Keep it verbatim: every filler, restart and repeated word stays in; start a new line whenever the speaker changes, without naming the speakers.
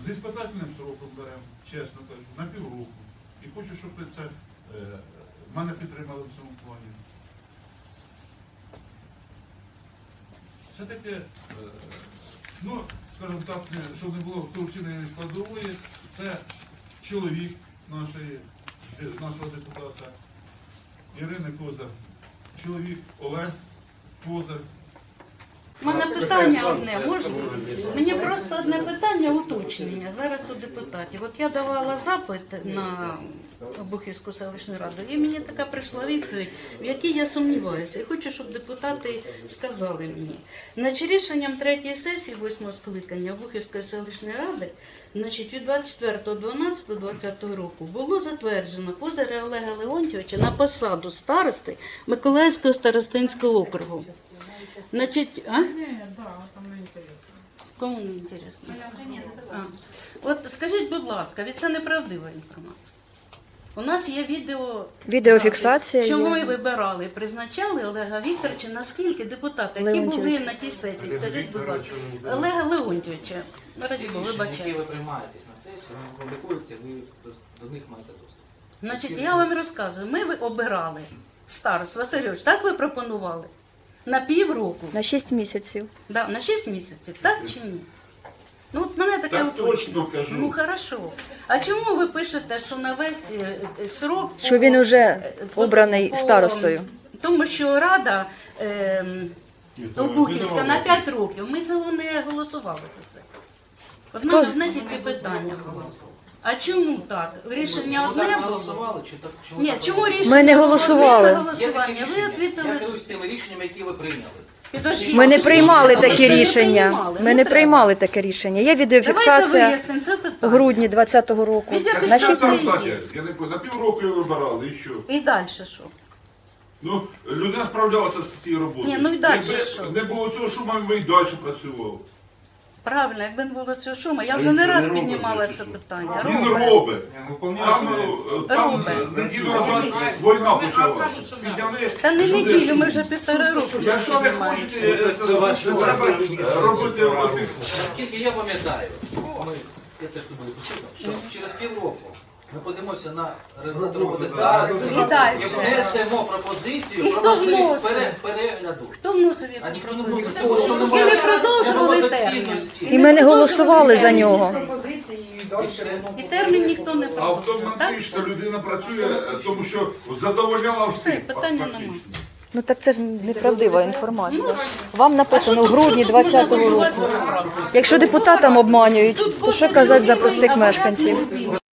з іспитательним сроком беремо, чесно кажу, на півроку. І хочу, щоб це е, мене підтримали в цьому плані. Все-таки, е, ну, скажімо так, щоб не було корупційної складової, це чоловік нашої, нашого депутата Ірини Козар, чоловік Олег Козар.
У мене питання одне, можна? Мені просто одне питання, уточнення зараз у депутатів. От я давала запит на Обухівську селищну раду, і мені така прийшла відповідь, в якій я сумніваюся. І хочу, щоб депутати сказали мені. Значить, рішенням третьої сесії восьмого скликання Обухівської селищної ради, значить, від двадцять четвертого дванадцятого двадцятого року було затверджено Козаря Олега Леонтьовича на посаду старости Миколаївського старостинського округу. Значить, а? Кому не інтересно? А. От скажіть, будь ласка, від це неправдива інформація. У нас є відео
Відеофіксація
чому
є.
ви вибирали, призначали Олега Вікторовича, наскільки депутати, які
Леонтьович.
були на тій сесії, скажіть, будь ласка, Олега Леонтьовича, ну, раді Бога,
Рішення, які ви
вибачаюсь.
приймаєтесь на сесії, вони публікуються, ви до них маєте доступ.
Значить, я вам розказую, ми ви обирали старост, Васильович, так ви пропонували? На півроку.
На шість місяців.
Да, на шість місяців, так чи ні? Ну, от мене таке
Так
уточнення.
точно кажу.
Ну, хорошо. А чому ви пишете, що на весь е, е, срок...
Що він уже обраний старостою?
Тому що Рада е, Обухівська на п'ять років, ми цього не голосували за це. Одна
Хто-
одне тільки питання було. А чому так? Rішення
Чому
одне
так
було?
голосували? Чи так, чому
Ні,
так
чому
голосували?
рішення
Ми не
було
голосували.
одне
Є таке
голосування? Ви
рішення. Я
відповіли...
керуюсь тими рішеннями, які ви прийняли.
Підождіть,
Ми не
підождіть,
приймали
а ви
такі
це не
рішення.
приймали?
Ми не
треба.
приймали таке рішення. Є
Давайте
відеофіксація
вияснимо це
в
питання.
грудні двадцятого року. На
Відеофіксація
шість
Там
місяців.
так, я не пам'ятаю, на півроку його вибирали, і що?
І далі що?
Ну, людина справлялася з цією роботою.
Ні, ну і далі
Якби
що?
не було цього шуму, ми і далі працювали.
Правильно, якби не було цього шуму, я вже не раз піднімала це питання.
Він
Робить.
робить.
Выполняется.
Там, там
Робить.
неділю назад війна почалася. Підняли
Та не
люди-
неділю, ми вже півтори року.
Якщо не хочете, е, треба робити оцих.
Наскільки я пам'ятаю, ми, я теж не буду присутній, що через півроку ми подивимося на результат роботи старості
І далі.
і внесемо пропозицію
І
про
хто
можливість
вносив?
пере- перегляду.
Хто вносив
А
яку
ніхто не
пропозицію?
вносив того, що
І
немає
не продовжували термін.
доцільності.
І ми не голосували за нього.
І термін ніхто не продовжував. Так?
Автоматично людина працює, тому що задовольняла
Все,
всіх.
питання
фактично.
нема.
Ну так це ж неправдива інформація. Вам написано в грудні двадцятого року. Якщо депутатам обманюють, то що казати за простих мешканців?